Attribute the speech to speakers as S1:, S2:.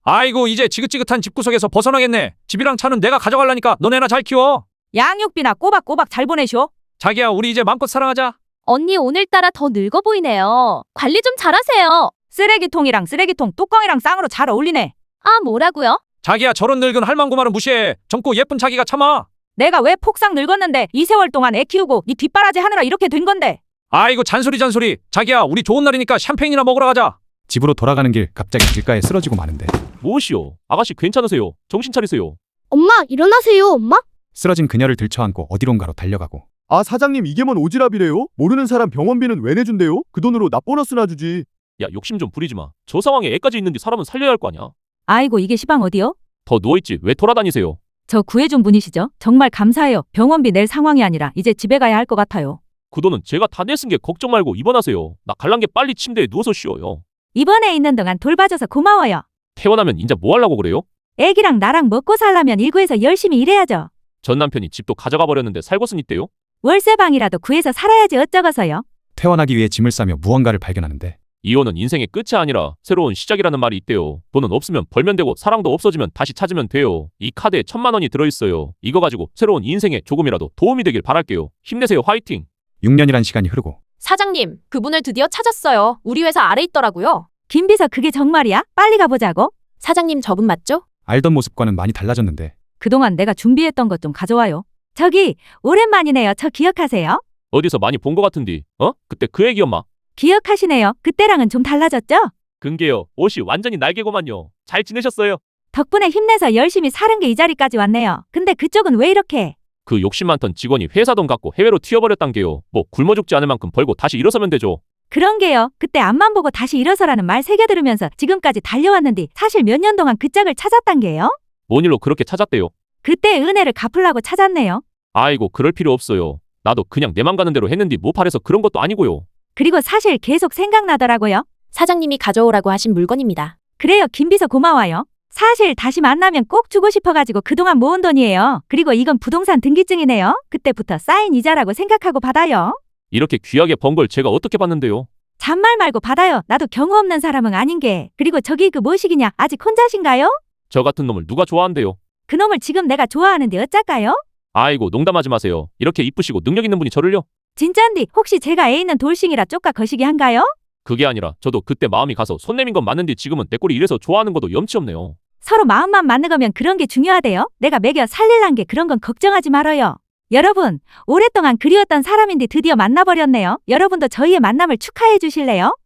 S1: 아이고 이제 지긋지긋한 집구석에서 벗어나겠네. 집이랑 차는 내가 가져갈라니까 너네나 잘 키워.
S2: 양육비나 꼬박꼬박 잘 보내쇼.
S1: 자기야 우리 이제 마음껏 사랑하자.
S3: 언니 오늘따라 더 늙어 보이네요. 관리 좀 잘하세요.
S2: 쓰레기통이랑 쓰레기통 뚜껑이랑 쌍으로 잘 어울리네.
S3: 아, 뭐라고요?
S1: 자기야 저런 늙은 할망구마를 무시해. 젊고 예쁜 자기가 참아.
S2: 내가 왜 폭삭 늙었는데 이 세월 동안 애 키우고 네 뒷바라지 하느라 이렇게 된 건데.
S1: 아이고 잔소리. 자기야 우리 좋은 날이니까 샴페인이나 먹으러 가자.
S4: 집으로 돌아가는 길 갑자기 길가에 쓰러지고 마는데
S5: 무엇이요? 아가씨 괜찮으세요? 정신 차리세요.
S6: 엄마, 일어나세요, 엄마.
S4: 쓰러진 그녀를 들쳐안고 어디론가로 달려가고
S7: 아, 사장님 이게 뭔 오지랖이래요? 모르는 사람 병원비는 왜 내준대요? 그 돈으로 나 보너스나 주지.
S5: 야, 욕심 좀 부리지 마. 저 상황에 애까지 있는데 사람은 살려야 할 거 아니야.
S2: 아이고 이게 시방 어디요?
S5: 더 누워있지 왜 돌아다니세요?
S2: 저 구해준 분이시죠? 정말 감사해요. 병원비 낼 상황이 아니라 이제 집에 가야 할 것 같아요.
S5: 그 돈은 제가 다 냈은 게 걱정 말고 입원하세요. 나 갈란 게 빨리 침대에 누워서 쉬어요.
S2: 입원해 있는 동안 돌봐줘서 고마워요.
S5: 퇴원하면 인자 뭐 하려고 그래요?
S2: 애기랑 나랑 먹고 살려면 일구에서 열심히 일해야죠.
S5: 전 남편이 집도 가져가 버렸는데 살고선 있대요?
S2: 월세방이라도 구해서 살아야지 어쩌겠어요.
S4: 퇴원하기 위해 짐을 싸며 무언가를 발견하는데
S5: 이혼은 인생의 끝이 아니라 새로운 시작이라는 말이 있대요. 돈은 없으면 벌면 되고 사랑도 없어지면 다시 찾으면 돼요. 이 카드에 1,000만 원이 들어있어요. 이거 가지고 새로운 인생에 조금이라도 도움이 되길 바랄게요. 힘내세요. 화이팅!
S4: 6년이란 시간이 흐르고
S3: 사장님, 그분을 드디어 찾았어요. 우리 회사 아래 있더라고요.
S2: 김비서 그게 정말이야? 빨리 가보자고.
S3: 사장님 저분 맞죠?
S4: 알던 모습과는 많이 달라졌는데
S2: 그동안 내가 준비했던 것 좀 가져와요. 저기 오랜만이네요. 저 기억하세요?
S5: 어디서 많이 본 것 같은디? 그때 그 애기엄마.
S2: 기억하시네요. 그때랑은 좀 달라졌죠?
S5: 근게요. 옷이 완전히 날개고만요. 잘 지내셨어요?
S2: 덕분에 힘내서 열심히 사는 게 이 자리까지 왔네요. 근데 그쪽은 왜 이렇게?
S5: 그 욕심 많던 직원이 회사 돈 갖고 해외로 튀어버렸단 게요. 뭐 굶어 죽지 않을 만큼 벌고 다시 일어서면 되죠.
S2: 그런 게요. 그때 앞만 보고 다시 일어서라는 말 새겨 들으면서 지금까지 달려왔는데 사실 몇 년 동안 그 짝을 찾았단 게요.
S5: 뭔 일로 그렇게 찾았대요?
S2: 그때 은혜를 갚으려고 찾았네요.
S5: 아이고 그럴 필요 없어요. 나도 그냥 내 맘 가는 대로 했는데 뭐 팔해서 그런 것도 아니고요.
S2: 그리고 사실 계속 생각나더라고요.
S3: 사장님이 가져오라고 하신 물건입니다.
S2: 그래요. 김비서 고마워요. 사실 다시 만나면 꼭 주고 싶어가지고 그동안 모은 돈이에요. 그리고 이건 부동산 등기증이네요. 그때부터 쌓인 이자라고 생각하고 받아요.
S5: 이렇게 귀하게 번 걸 제가 어떻게 받는데요?
S2: 잔말 말고 받아요. 나도 경우 없는 사람은 아닌 게. 그리고 저기 그 뭐시기냐? 아직 혼자신가요?
S5: 저 같은 놈을 누가 좋아한대요?
S2: 그놈을 지금 내가 좋아하는데 어쩔까요?
S5: 아이고 농담하지 마세요. 이렇게 이쁘시고 능력 있는 분이 저를요?
S2: 진짠디 혹시 제가 애 있는 돌싱이라 쪽가 거시기 한가요?
S5: 그게 아니라 저도 그때 마음이 가서 손 내민 건 맞는데 지금은 내 꼴이 이래서 좋아하는 것도 염치 없네요.
S2: 서로 마음만 맞는 거면 그런 게 중요하대요. 내가 먹여 살릴란 게 그런 건 걱정하지 말아요. 여러분, 오랫동안 그리웠던 사람인데 드디어 만나버렸네요. 여러분도 저희의 만남을 축하해 주실래요?